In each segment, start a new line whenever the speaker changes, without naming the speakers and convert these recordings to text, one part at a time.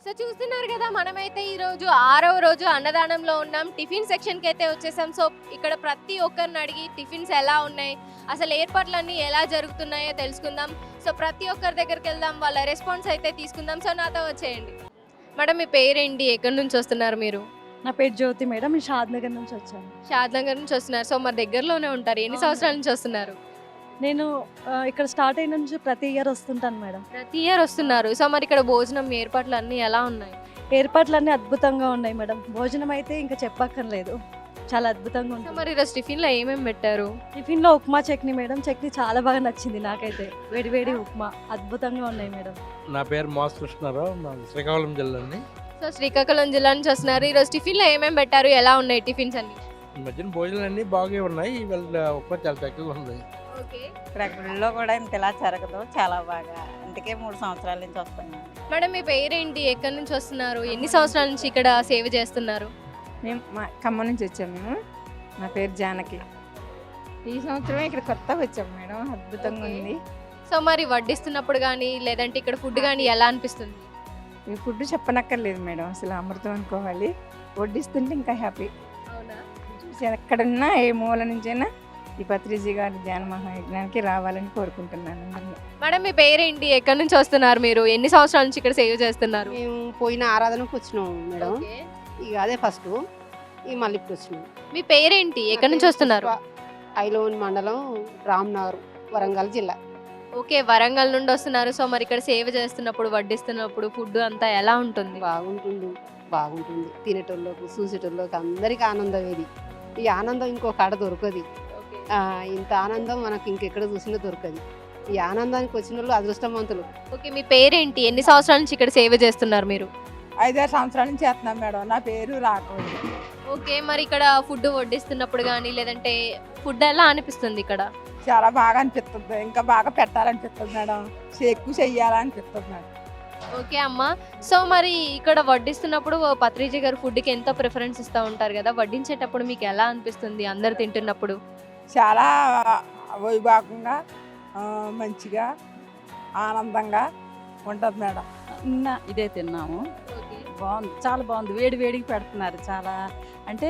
So చూస్తున్నారు కదా, మనమైతే ఈ రోజు 6వ రోజు అన్నదానంలో ఉన్నాం. టిఫిన్ సెక్షన్కి అయితే వచ్చేసాం. సో ఇక్కడ ప్రతి ఒక్కరిని అడిగి టిఫిన్స్ ఎలా ఉన్నాయి, అసలు ఏర్పాట్లన్నీ ఎలా జరుగుతున్నాయో తెలుసుకుందాం. సో ప్రతి ఒక్కరి దగ్గరికి వెళ్దాం, వాళ్ళ రెస్పాన్స్ అయితే తీసుకుందాం. సో నాతో వచ్చేయండి. మేడం, మీ పేరేంటి, ఎక్కడి నుంచి వస్తున్నారు మీరు?
నా పేరు జ్యోతి మేడం. నేను షాద్నగర్ నుంచి వచ్చాను.
షాద్నగర్ నుంచి వస్తున్నారు. సో మరి దగ్గరలోనే ఉంటారు. ఎన్ని సంవత్సరాల నుంచి వస్తున్నారు?
నేను ఇక్కడ స్టార్ట్ అయిన నుంచి ప్రతి ఇయర్ వస్తుంటాను మేడం.
ప్రతి ఇయర్ వస్తున్నారు. సో మరి ఇక్కడ భోజనం ఏర్పాట్లు అన్నీ ఎలా ఉన్నాయి?
ఏర్పాట్లన్నీ అద్భుతంగా ఉన్నాయి మేడం. భోజనం అయితే ఇంకా చెప్పక్కర్లేదు, చాలా అద్భుతంగా
సో
ఉంటుంది.
మరి ఈరోజు టిఫిన్లో ఏమేమి పెట్టారు?
టిఫిన్లో ఉప్మా చట్నీ మేడం. చట్నీ చాలా బాగా నచ్చింది నాకైతే. వేడి వేడి ఉప్మా అద్భుతంగా ఉన్నాయి మేడం.
నా పేరు మాస్ కృష్ణారావు, మాది శ్రీకాకుళం జిల్లా అండి.
సో శ్రీకాకుళం జిల్లా నుంచి వస్తున్నారు. ఈరోజు టిఫిన్లో ఏమేమి పెట్టారు, ఎలా ఉన్నాయి టిఫిన్స్ అన్ని?
ఈ మధ్యన భోజనాలు అన్నీ బాగా ఉన్నాయి. ఇవాళ ఉప్మా చాలా తక్కువగా ఉంది.
ఓకే
ఇక్కడ గుడిలో కూడా ఇంతలా జరగదు, చాలా బాగా. అందుకే 3 సంవత్సరాల నుంచి వస్తున్నాను.
మేడం, మీ పేరేంటి, ఎక్కడి నుంచి వస్తున్నారు, ఎన్ని సంవత్సరాల నుంచి ఇక్కడ సేవ చేస్తున్నారు?
మేము ఖమ్మం నుంచి వచ్చాము. మేము నా పేరు జానకి. ఈ సంవత్సరమే ఇక్కడ కొత్తగా వచ్చాము మేడం. అద్భుతంగా
ఓకే.
ఉంది.
సో మరి వడ్డిస్తున్నప్పుడు కానీ లేదంటే ఇక్కడ ఫుడ్ కానీ ఎలా అనిపిస్తుంది?
ఈ ఫుడ్ చెప్పనక్కర్లేదు మేడం, అసలు అమృతం అనుకోవాలి. వడ్డిస్తుంటే ఇంకా హ్యాపీ.
అవునా?
చూసి ఎక్కడున్నా ఏ మూల నుంచైనా ఈ పత్రిజీ గారి ధ్యాన మహాయజ్ఞానికి రావాలని కోరుకుంటున్నాను అందరినీ.
మేడం, మీ పేరేంటి, ఎక్కడి నుంచి వస్తున్నారు మీరు, ఎన్ని సంవత్సరాల నుంచి ఇక్కడ సేవ చేస్తున్నారు?
మేము పోయిన ఆరాధనకు వచ్చినాం మేడం.
ఓకే.
ఇక అదే ఫస్ట్, ఇక మళ్ళీ ఇప్పుడు వచ్చినాం.
మీ పేరేంటి, ఎక్కడి నుంచి వస్తున్నారు?
ఐలోన్ మండలం, రామ్నగర్, వరంగల్ జిల్లా.
ఓకే, వరంగల్ నుండి వస్తున్నారు. సో మరి ఇక్కడ సేవ చేస్తున్నప్పుడు, వడ్డిస్తున్నప్పుడు ఫుడ్ అంతా ఎలా ఉంటుంది?
బాగుంటుంది. తినేటోళ్ళకు, చూసేటోళ్ళకి అందరికీ ఆనందం. ఇది ఈ ఆనందం ఇంకో కాడ దొరకదు.
ఓకే.
ఇంత ఆనందం మనకి ఇంకెక్కడ చూసినా దొరకదు. ఈ ఆనందానికి వచ్చిన వాళ్ళు అదృష్టవంతులు.
ఓకే, మీ పేరేంటి, ఎన్ని సంవత్సరాల నుంచి ఇక్కడ సేవ చేస్తున్నారు మీరు?
5-6 సంవత్సరాల నుంచి చేస్తున్నాం మేడం. నా పేరు రాఘవన్.
ఓకే, మరి ఇక్కడ ఫుడ్ వడ్డిస్తున్నప్పుడు కానీ లేదంటే ఫుడ్ ఎలా అనిపిస్తుంది ఇక్కడ?
చాలా బాగా అనిపిస్తుంది. ఇంకా బాగా పెట్టాలనిపిస్తుంది మేడం. ఎక్కువ చెయ్యాలనిపిస్తుంది మేడం.
ఓకే అమ్మా. సో మరి ఇక్కడ వడ్డిస్తున్నప్పుడు పత్రిజీ గారు ఫుడ్కి ఎంతో ప్రిఫరెన్స్ ఇస్తూ ఉంటారు కదా, వడ్డించేటప్పుడు మీకు ఎలా అనిపిస్తుంది అందరు తింటున్నప్పుడు?
చాలా వైభాగంగా, మంచిగా, ఆనందంగా ఉంటుంది మేడం.
ఇదే తిన్నాము. బాగుంది, చాలా బాగుంది. వేడి వేడికి పెడుతున్నారు. చాలా అంటే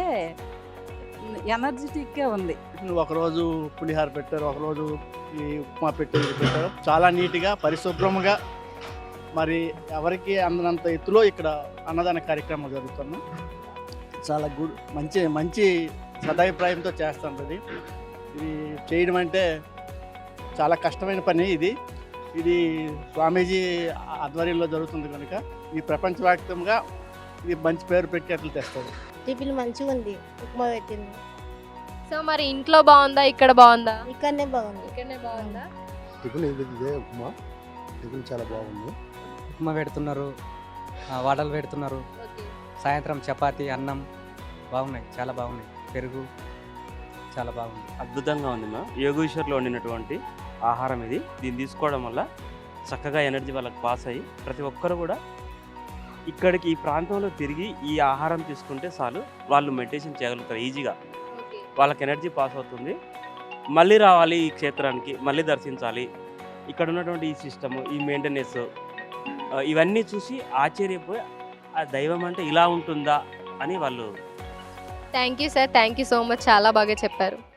ఎనర్జెటిక్గా ఉంది.
ఒకరోజు పులిహార పెట్టారు, ఒకరోజు ఈ ఉప్మా పెట్టారు. చాలా నీట్గా, పరిశుభ్రంగా, మరి ఎవరికి అందనంత ఎత్తులో ఇక్కడ అన్నదాన కార్యక్రమం జరుగుతున్నాం. చాలా మంచి మంచి సదాభిప్రాయంతో చేస్తుంటుంది. ఇది చేయడం అంటే చాలా కష్టమైన పని. ఇది స్వామీజీ ఆధ్వర్యంలో జరుగుతుంది కనుక ఈ ప్రపంచవ్యాప్తంగా ఇది మంచి పేరు పెట్టేట్లు తెస్తుంది.
టిఫిన్ మంచిగా ఉంది, ఉప్మా పెట్టింది.
సో మరి ఇంట్లో బాగుందా, ఇక్కడ బాగుందా?
ఇక్కడనే బాగుంది.
ఇక్కడనే బాగుందా?
టిఫిన్ ఇదే ఉప్మా. టిఫిన్ చాలా బాగుంది.
ఉప్మా పెడుతున్నారు, వడలు పెడుతున్నారు.
ఓకే.
సాయంత్రం చపాతి, అన్నం బాగున్నాయి, చాలా బాగున్నాయి. పెరుగు చాలా బాగుంది.
అద్భుతంగా ఉంది మా యోగేశ్వర్లో వండినటువంటి ఆహారం ఇది. దీన్ని తీసుకోవడం వల్ల చక్కగా ఎనర్జీ వాళ్ళకి పాస్ అయ్యి ప్రతి ఒక్కరు కూడా ఇక్కడికి ఈ ప్రాంతంలో తిరిగి ఈ ఆహారం తీసుకుంటే చాలు వాళ్ళు మెడిటేషన్ చేయగలుగుతారు ఈజీగా.
ఓకే.
వాళ్ళకి ఎనర్జీ పాస్ అవుతుంది. మళ్ళీ రావాలి ఈ క్షేత్రానికి, మళ్ళీ దర్శించాలి. ఇక్కడ ఉన్నటువంటి ఈ సిస్టము, ఈ మెయింటెనెన్స్, ఇవన్నీ చూసి ఆశ్చర్యపోయి ఆ దైవం అంటే ఇలా ఉంటుందా అని వాళ్ళు.
Thank you sir, thank you so much, చాలా బాగా చెప్పారు.